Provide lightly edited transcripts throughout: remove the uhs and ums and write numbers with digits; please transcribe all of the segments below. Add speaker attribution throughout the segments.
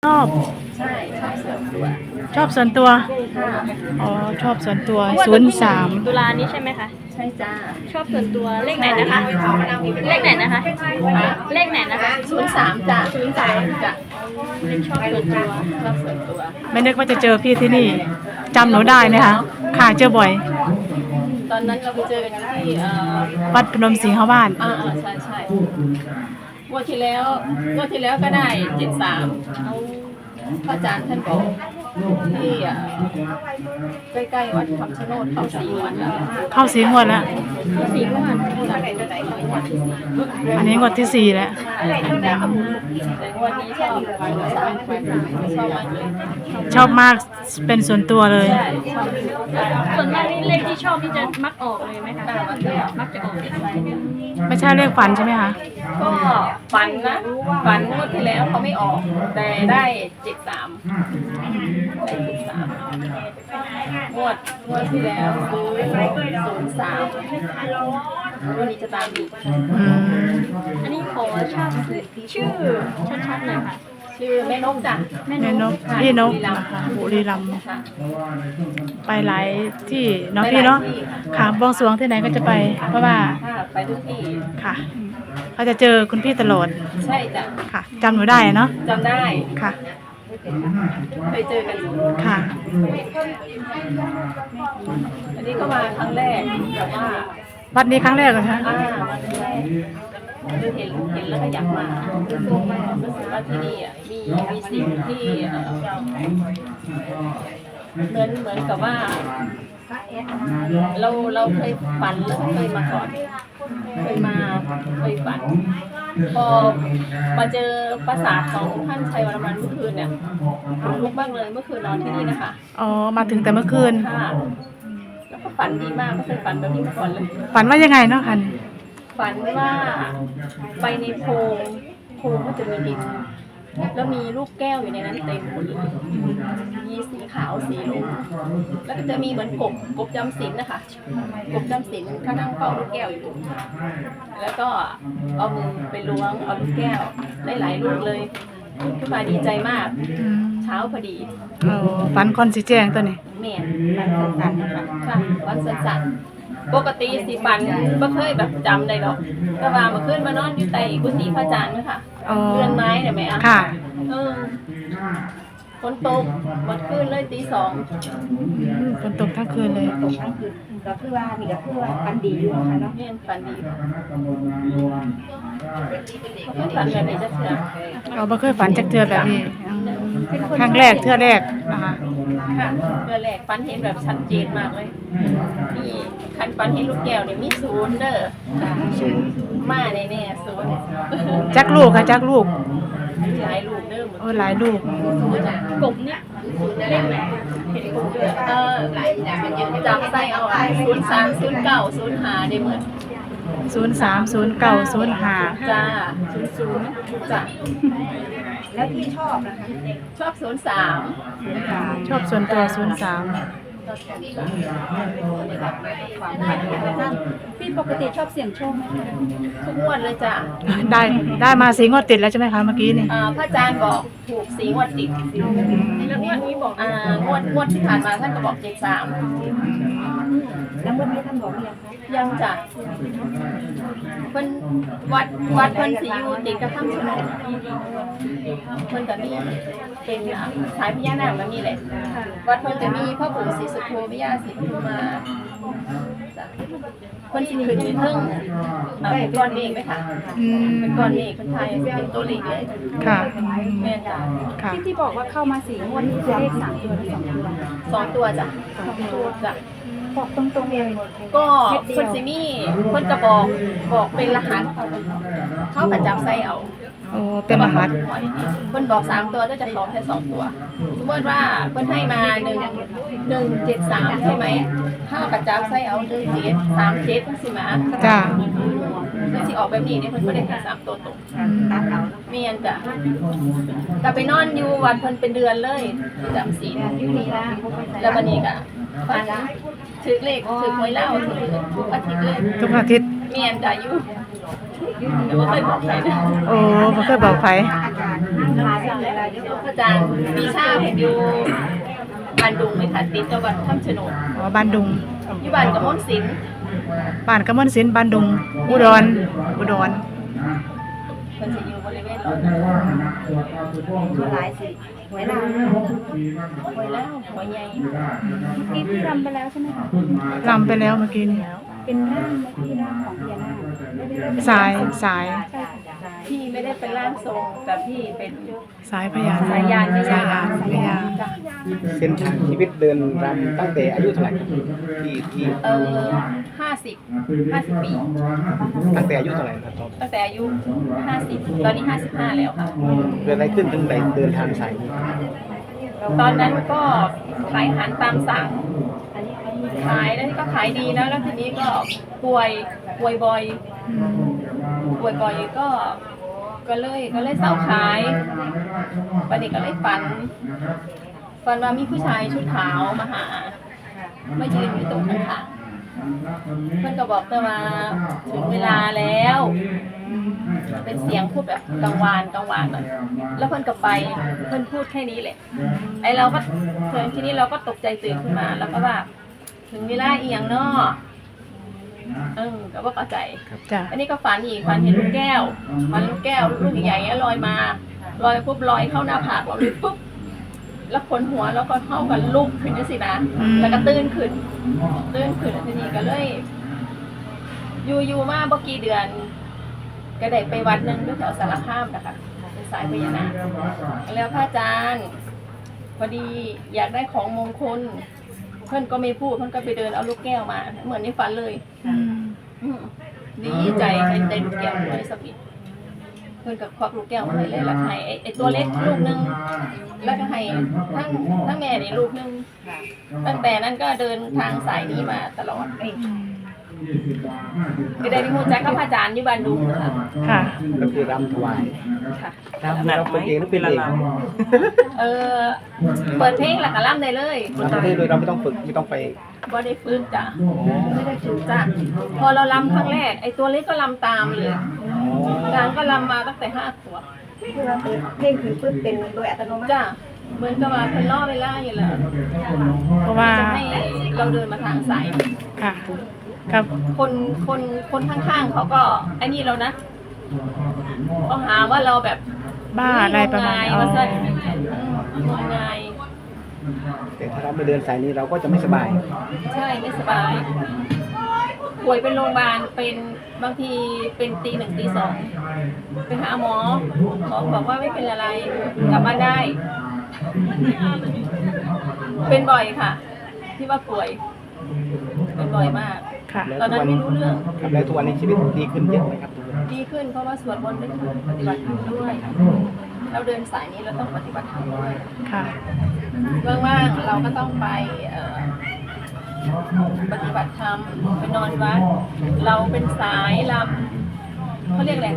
Speaker 1: ชอบ
Speaker 2: ใช่ชอบส่วนตัว
Speaker 1: ชอบส่วนตัว
Speaker 2: ค่ะ
Speaker 1: อ๋อชอบส่วนตัว
Speaker 3: ตุลานี้ใช่ไหมคะ
Speaker 2: ใช่จ้า
Speaker 3: ชอบส่วนตัวเลขไหนนะคะเลขไหนนะคะเลขไหนนะคะ
Speaker 2: 03จ้า03จ้า
Speaker 3: เป็นชอบส่วนตัว
Speaker 2: ชอบส่วนตัว
Speaker 1: ไม่นึกว่าจะเจอพี่ที่นี่จำหนูได้ไหมคะค่ะเจอบ่อย
Speaker 2: ตอนนั้นเราไปเจอกันที่
Speaker 1: วัดพนมศรีหบ้าน
Speaker 2: ใช่ใช่งวดที่แล้วก็ได้73พระอาจารย์ท่านบอกที่ใกล้ๆวัดคำชะโนดเข้า4 วันแล้ว
Speaker 1: เข้าสีงวดแล้ว
Speaker 2: เข้า4 วัน
Speaker 1: อันนี้งวดที่สี่แล้ว
Speaker 2: แต่งวดนี้ชอบชอบมากเลย
Speaker 1: ชอบมากเป็นส่วนตัวเลย
Speaker 2: ใช่ชอบ
Speaker 3: ส่วนมากนี่เลขที่ชอบที่จะมักออกเลยไหมคะมักจะออก
Speaker 1: ไม่ใช่เลขฝันใช่ไหมคะ
Speaker 2: ก็ฝันนะฝันงวดที่แล้วเขาไม่ออกแต่ได้73งวดที่แล้วซื้อ03วันนี้จะตามอีก
Speaker 3: อันนี้ขอชอบชื่อชัดๆหน่อยค่ะ
Speaker 2: ชื่อแม่นกจ้ะ
Speaker 1: แม่นกพี่นกนะคะบุรีรัมย์ไปหลายที่เนาะพี่เนาะค่ะบวงสรวงที่ไหนก็จะไปเพราะว่า
Speaker 2: ไปทุกที่
Speaker 1: ค่ะเขาจะเจอคุณพี่ตลอด
Speaker 2: ใช่จ้ะ
Speaker 1: ค่ะจำหนูได้เนาะ
Speaker 2: จำได้
Speaker 1: ค่ะ
Speaker 2: เคยเจอกัน
Speaker 1: ค่ะ
Speaker 2: อันนี้ก็มาครั้งแรกแต่ว่า
Speaker 1: วัดนี้ครั้งแรกเหรอคะ
Speaker 2: เห็นแล้วก็อยากมารู้สึกว่าที่นี่มีสิ่งที่เหมือนกับว่าเราเคยฝันแล้วเคยมาก่อนเคยฝันพอมาเจอปราสาทของท่านชัยวรมันเมื่อคืนเนี่ยลุกบ้างเลยเมื่อคืนนอนที่นี่นะคะ
Speaker 1: อ๋อมาถึงแต่เมื่อคืน
Speaker 2: ค่ะแล้วก็ฝันดีมากไม่เคยฝันแบบนี้มาก่อนเลย
Speaker 1: ฝันว่ายังไงเนาะคัน
Speaker 2: ฝันว่าไปในโพรงก็จะมีดินแล้วมีลูกแก้วอยู่ในนั้นเต็มหมดเลยมีสีขาวสีเหลืองแล้วก็จะมีเหมือนกบจำศีลนะคะกบจำศีลเขานั่งเฝ้าลูกแก้วอยู่แล้วก็เอามือไปล้วงเอาลูกแก้วได้หลายลูกเลยขึ้นมาดีใจมากเช้าพอดี
Speaker 1: ฝันคอนสิแจ้งตัวนี้
Speaker 2: แม่ฝันสั้นๆค่ะฝันสั้นปกติสิฝันไม่เคยแบบจำได้หรอกแต่ว่าเมื่อคืนมานอนอยู่ใต้กุฏิพระอาจารย์นะคะเรือนไม้เห็นไหมอ่ะ
Speaker 1: ค่ะ
Speaker 2: ฝนตกหมดคืนเลยตี 2
Speaker 1: ฝนตกทั้งคืนเลย
Speaker 2: ตกทั้งคืนก็คือว่ามีก็คือว่าฝันดีอยู่ค่ะเนาะเนี่ยฝันดีเขาฝันแบบนี้จะเชื่อ
Speaker 1: เราไม่เคยฝันจากเธอแบบนี้ครั้งแรกเธอแรกนะคะ
Speaker 2: ค่ะเธอแรกฝันเห็นแบบชัดเจนมากเลยนี่คันฝันเห็นลูกแก้วเนี่ยมี0เด้อมาแน่ๆ0
Speaker 1: จักลูกค่ะจักลูก
Speaker 2: หลายลูกเด้อ
Speaker 1: หลายลูก
Speaker 3: กบเนี่ยเลขไหนเห็นกบด้วย
Speaker 2: จำไส้เอา03 09 05ได้เหมือน
Speaker 1: 03 09 05
Speaker 2: จ้า00จ้าแล้วที่ชอบนะคะชอบ03
Speaker 1: ชอบส่วนตัว03
Speaker 2: พี่ปกติชอบเสี่ยงโชคไหมทุกงวดเลยจ้ะ
Speaker 1: ได้มา4 งวดติดแล้วใช่ไหมคะเมื่อกี้นี่
Speaker 2: พระอาจารย์บอกถูก4 งวดติดแล้วงวดนี้บอกงวดที่ผ่านมาท่านก็บอก73แล้วงวดนี้ท่านบอกยังจ้ะเพิ่นวัดเพิ่นสิอยู่ติดกับถ้ำชะโนดเพิ่นก็มีเป็นสายพญานาคแบบนี้แหละวัดเพิ่นจะมีพ่อปู่ศรีสุโธพญาศรีปทุมมาเพิ่นสิขึ้นอยู่เทิงเป็นก้อนเมฆไหมคะเป็นก้อนเมฆคนไทยเป็นตัวเล็กเลย
Speaker 1: ค่ะ
Speaker 2: แม่จ้ะ
Speaker 3: ที่บอกว่าเข้ามา4 งวดนี่คือเลข3 ตัวหรือ
Speaker 2: 2 ตัวจ้ะ2 ตัวจ้ะ
Speaker 3: บอกตรงๆเลย
Speaker 2: ก็คนซิมี่คนกระบอกเป็นรหัสเข้าประจำไส้เอา
Speaker 1: เป็นรหัส
Speaker 2: คนบอก3 ตัวก็จะขอแค่2 ตัวสมมติว่าคนให้มา173ใช่ไหมเข้าประจำไส้เอา1737สิมา
Speaker 1: จ้า
Speaker 2: คือสิออกแบบนี้เนี่ยเพิ่นบ่ได้แค่3 ตัวตรงเมียนจ้ะกลับไปนอนอยู่วัดเพิ่นเป็นเดือนเลยจำศีลแล้ววันนี้ก็ฝันถือเลขถือหวยเล่าทุกอาทิตย์เลย
Speaker 1: ทุกอาทิตย์
Speaker 2: เมียนจ้ะอยู่แต่ว่าเคยบอกใครนะ
Speaker 1: ไม่เคยบอกใคร
Speaker 2: พระอาจารย์ปีชาเห็นอยู่บ้านดุงไหมคะติดกับวัดถ้ำโฉนด
Speaker 1: อ๋อบ้านดุง
Speaker 2: อยู่บ้านกระมวลศิลป์
Speaker 1: บ้านกำมลศิลป์บ้านดุงอุดร
Speaker 2: มันจะอยู่บริเวณหลอด
Speaker 3: หลายสิหวยลาว
Speaker 2: หวยแล้วหวยใหญ่
Speaker 3: ที่พี่รำไปแล้วใช่ไหมคะ
Speaker 1: ลำไปแล้วเมื่อกี้นี่
Speaker 3: เป็นร่างไหมที่ร่างของพญานาคไม่ได้เป็น
Speaker 1: สายสาย
Speaker 3: ใช่ค่ะ
Speaker 2: พี่ไม่ได้เป็นร่างทรงแต่พี่เป็น
Speaker 1: สายพญา
Speaker 2: สายยาน
Speaker 1: สายยานพญา
Speaker 2: จ้ะ
Speaker 4: เส้นทางชีวิตเดินรำตั้งแต่อายุเท่าไหร่ครับที่
Speaker 2: 50 ปี
Speaker 4: ตั้งแต่อายุเท่าไหร่ครับ
Speaker 2: ตั้งแต่อายุ50ตอนนี้55แล้วค่ะ
Speaker 4: เกิดอะไรขึ้นถึงได้เดินทางสายนี้
Speaker 2: ตอนนั้นก็ขายอาหารตามสั่งขายแล้วก็ขายดีนะแล้วทีนี้ก็ป่วยบ่อย
Speaker 1: อืม
Speaker 2: ป่วยบ่อยก็เลยเสาขายวันนี้ก็เลยฝันว่ามีผู้ชายชุดขาวมาหามายืนอยู่ตรงข้างๆเพื่อนก็บอกแต่ว่าถึงเวลาแล้ว เป็นเสียงพูดแบบกังวานหน่อยแล้วเพื่อนก็ไปเพื่อนพูดแค่นี้แหละไอเราก็เพื่อนที่นี่เราก็ตกใจตื่นขึ้นมาแล้วก็ว่าถึงเวลาเอียงเนาะก็ว่าเข้าใจ
Speaker 1: จ้ะ
Speaker 2: อันนี้ก็ฝันอีกฝันเห็นลูกแก้วลูกแก้วลูกใหญ่ๆลอยมาลอยปุ๊บลอยเข้าหน้าผากเราเลยปุ๊บแล้วขนหัวแล้วก็เท่ากันลุกขึ้นสินะแล้วก็ตื่นขึ้นแล้วทีนี้ก็เลยอยู่มาเมื่อกี่เดือน ก็ได้ไปวัดหนึงที่แถวสารคามนะคะเป็นสายพญานาคแล้วพระอาจารย์พอดีอยากได้ของมงคลเพื่อนก็ไม่พูดเพื่อนก็ไปเดินเอาลูกแก้วมา เหมือนในฝันเลย
Speaker 1: อืม
Speaker 2: ดีใจได้ลูกแก้วด้วยสมิธเพื่อนก็ควักลูกแก้วมาให้เลยแล้วให้ไอ้ตัวเล็กลูกนึงแล้วก็ให้ทั้งแม่นี่ลูกนึงตั้งแต่นั้นก็เดินทางสายนี้มาตลอดก็ได้ที่มูจักกับพระอาจารย์อยู่บ้านดุงค่ะ
Speaker 1: ค่ะ
Speaker 4: ก็คือรำถวาย
Speaker 2: ค่ะ
Speaker 4: เราเป็นเองหรือเป็นเอง
Speaker 2: เปิดเพลงหลักกะล่ำได้เลย
Speaker 4: รำได้โดยเราไม่ต้องฝึกไม่ต้องไป
Speaker 2: บ่ได้ฝึกจ้ะไม่ได้ฝึกจ้ะพอเราลำครั้งแรกไอ้ตัวเล็กก็ลำตามเลยกลางก็ลำมาตั้งแต่5 ขวบ
Speaker 3: คือเราเพลงคือปึ๊บเป็นโดยอัตโนมัติ
Speaker 2: จ้ะเหมือนกับว่าเพิ่นล่อเวลาอยู่แล้ว
Speaker 1: เพราะว่า
Speaker 2: จะให้เราเดินมาทางสาย
Speaker 1: ค่ะกับ
Speaker 2: คนข้างๆเขาก็ไอ้นี่เรานะก็หาว่าเราแบบ
Speaker 1: บ้าอะไรประมาณ
Speaker 2: ง
Speaker 1: อ๋อ
Speaker 2: ว่างมงาย
Speaker 4: แต่ถ้าเราไม่เดินสายนี้เราก็จะไม่สบาย
Speaker 2: ใช่ไม่สบายป่วยเป็นโรงพยาบาลเป็นบางทีเป็นตี 1 ตี 2ไปหาหมอบอกว่าไม่เป็นอะไรกลับบ้านได้ เป็นบ่อยค่ะ ที่ว่าป่วยเป็นบ่อยมาก
Speaker 1: ค่ะ
Speaker 2: ตอนนั้นไม่รู้เรื่อง
Speaker 4: ครับแล้วทุกวันนี้ชีวิตดีขึ้นเยอะไหมครับ
Speaker 2: ดีขึ้นเพราะว่าสวดมนต์ด้วยปฏิบัติธรรมด้วยเราเดินสายนี้เราต้องปฏิบัติธรรมด้วย
Speaker 1: ค่ะ
Speaker 2: ว่างๆเราก็ต้องไปปฏิบัติธรรมไปนอนวัดเราเป็นสายลำเขาเรียกอะไร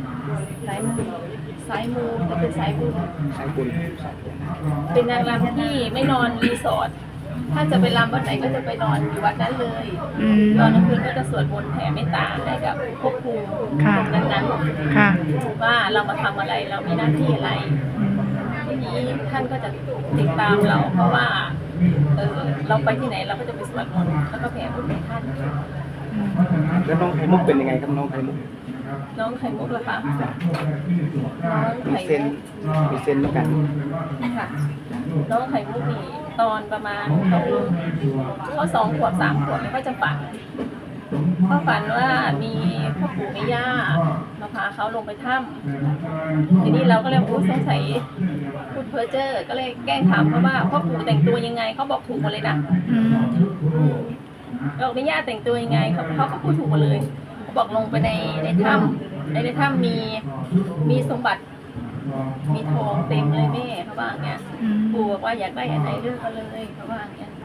Speaker 2: สายมูจะเป็นสายบุญ
Speaker 4: สายบุญ
Speaker 2: เป็นนางรำที่ไม่นอนรีสอร์ทถ้าจะไปรำวัดไหนก็จะไปนอนอยู่วัดนั้นเลย
Speaker 1: อืม
Speaker 2: ตอนกลางคืนก็จะสวดมนต์แผ่เมตตาให้กับภพภูมิ
Speaker 1: ค่ะ
Speaker 2: ตรงนั้น
Speaker 1: ค่ะ
Speaker 2: ๆว่าเรามาทำอะไรเรามีหน้าที่อะไร ทีนี้ท่านก็จะติดตามเราเพราะว่าเราไปที่ไหนเราก็จะไปสวดมนต์แล้วก็แผ่บุญให้ท่าน
Speaker 4: แล้วน้องไข่มุกเป็นยังไงครับน้องไข่มุก
Speaker 2: น้องไข่มุกล่ะคะน้อง
Speaker 4: มี
Speaker 2: ไข่
Speaker 4: เส้น
Speaker 2: มุก
Speaker 4: มีเส้นเหมือนกัน
Speaker 2: ค่ะน้องไข่มุกนี่ตอนประมาณเขา2 ขวบ 3 ขวบแล้วก็จะฝันเขาฝันว่ามีพ่อปู่แม่ย่ามาพาเขาลงไปถ้ำทีนี้เราก็เลยพูดสงสัยพูดเพ้อเจ้อก็เลยแกล้งถามเขาว่าพ่อปู่แต่งตัวยังไงเขาบอกถูกหมดเลยนะ
Speaker 1: อืม
Speaker 2: บอกแม่ย่าแต่งตัวยังไงเขาก็พูดถูกหมดเลยเขาบอกลงไปในถ้ำในถ้ำมีสมบัติมีทองเต็มเลยแม่เขาว่าอย่างเงี้ย
Speaker 1: อืม
Speaker 2: ปู่บอกว่าอยากได้อันไหนเลือกเอาเลยเขาว่าอย่างเงี้ย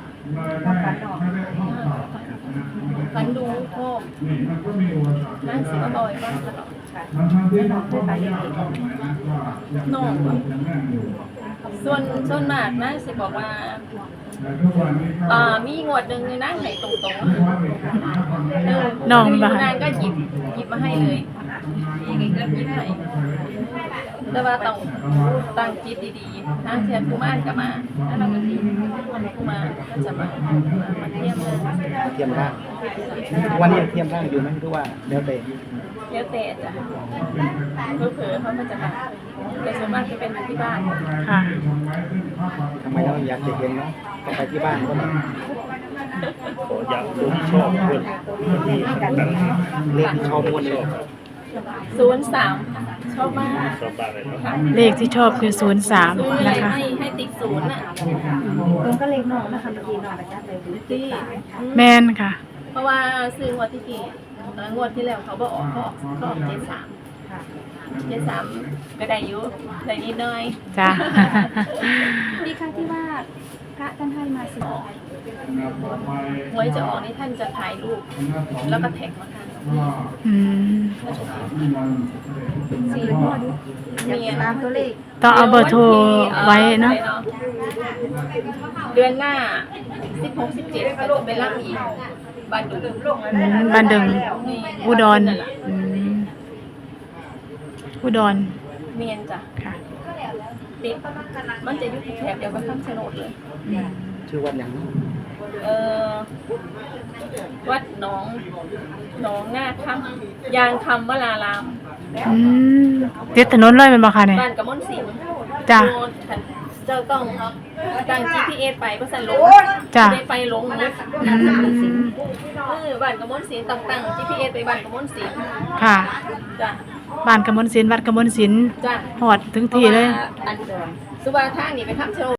Speaker 2: ฝันดูโคมนั่งสิว่าบ่อยบ้างตลอดน้องส่วนมากนั่งสิบอกว่ามีงวดหนึ่งนั่งไหนตรงๆ
Speaker 1: น้อง
Speaker 2: อยู่
Speaker 1: บ้าน
Speaker 2: นางก็หยิบมาให้เลยหยิบให้แต่ว่าต้องตั้งจิตดีๆทางเทียนกุมารก็มาแล้วเราก็ดีกุมารก็จะมาเทียมเลย
Speaker 4: เทียมร่างวันนี้ยังเทียมร่างอยู่ไหมหรือว่าแล้วแต่
Speaker 2: แล้วแต่จ้ะเผลอๆเขาก็จะมาแต่ส่วนมากจะเป็นมาที่บ้าน
Speaker 1: ค่ะ
Speaker 4: ทำไมเราอยากจะเห็นเนาะก็ไปที่บ้านก็ได้
Speaker 5: ขออยากรู้ที่ชอบเพื่อนที่ต่าง
Speaker 4: เลขที่ชอบม้วนเลย
Speaker 2: 03ชอบมาก
Speaker 5: ชอบบ้านอะไรครับ
Speaker 2: ค่ะ
Speaker 1: เลขที่ชอบคือ
Speaker 2: ซื้อ
Speaker 1: 03
Speaker 2: อะไร
Speaker 1: นะคะ
Speaker 2: ให้ติ๊กศูนย์อ่ะ
Speaker 3: ผมก็เล็กน้องนะคะเมื่อกี้น้องประจักษ์เลย
Speaker 2: ที่
Speaker 1: แมนค่ะ
Speaker 2: เพราะว่าซื้องวดที่กี่งวดที่แล้วเขาบอกเขาออก73
Speaker 3: ค่ะ
Speaker 2: 73ก็ได้อยู่ได้นิดหน่อย
Speaker 1: จ้า
Speaker 3: มีครั้งที่ว่าพระท่านให้มาสิ
Speaker 2: หวยจะออกนี่ท่านจะถ่ายรูปแล้วก็แท็กมาทาง
Speaker 1: อืม
Speaker 3: 4 งวดอยากตามตัวเลข
Speaker 1: ต้องเอาเบอร์โทรไว้เนาะ
Speaker 2: เดือนหน้า 16 17ก็จะไปรับอีกบ้านดุง
Speaker 1: บ้านดึง
Speaker 2: นี่
Speaker 1: อุดรอืมอุดร
Speaker 2: เมียนจ้ะ
Speaker 1: ค่ะ
Speaker 2: ติดมันจะอยู่ที่แถบเดียวกับคำชะโนดเลย
Speaker 1: อืม
Speaker 4: ชื่อวัดอย่างนี้
Speaker 2: เอ่อวัดหนองหน้าคำยางคำวลาราม
Speaker 1: อืมติดถนนเลยแม่นบ่คะเนี่ย
Speaker 2: บ้านกระมอนสิงห์
Speaker 1: จ้ะ
Speaker 2: โดนเจ้าต้องตั้ง GPS ไปเพราะสันหลง
Speaker 1: จ้ะ
Speaker 2: ไม่ไปหลงหมด
Speaker 1: อืม
Speaker 2: บ้านกระมอนสิงห์ต้องตั้ง GPS ไปบ้านกระมอนสิงห์
Speaker 1: ค่ะ
Speaker 2: จ้ะ
Speaker 1: บ้านกมลศิลป์วัดกมลศิลป์
Speaker 2: จ้ะ
Speaker 1: หอดถึงที่เลย
Speaker 2: พราะว่าอันสุวาทางนี่ไปคำชะโนด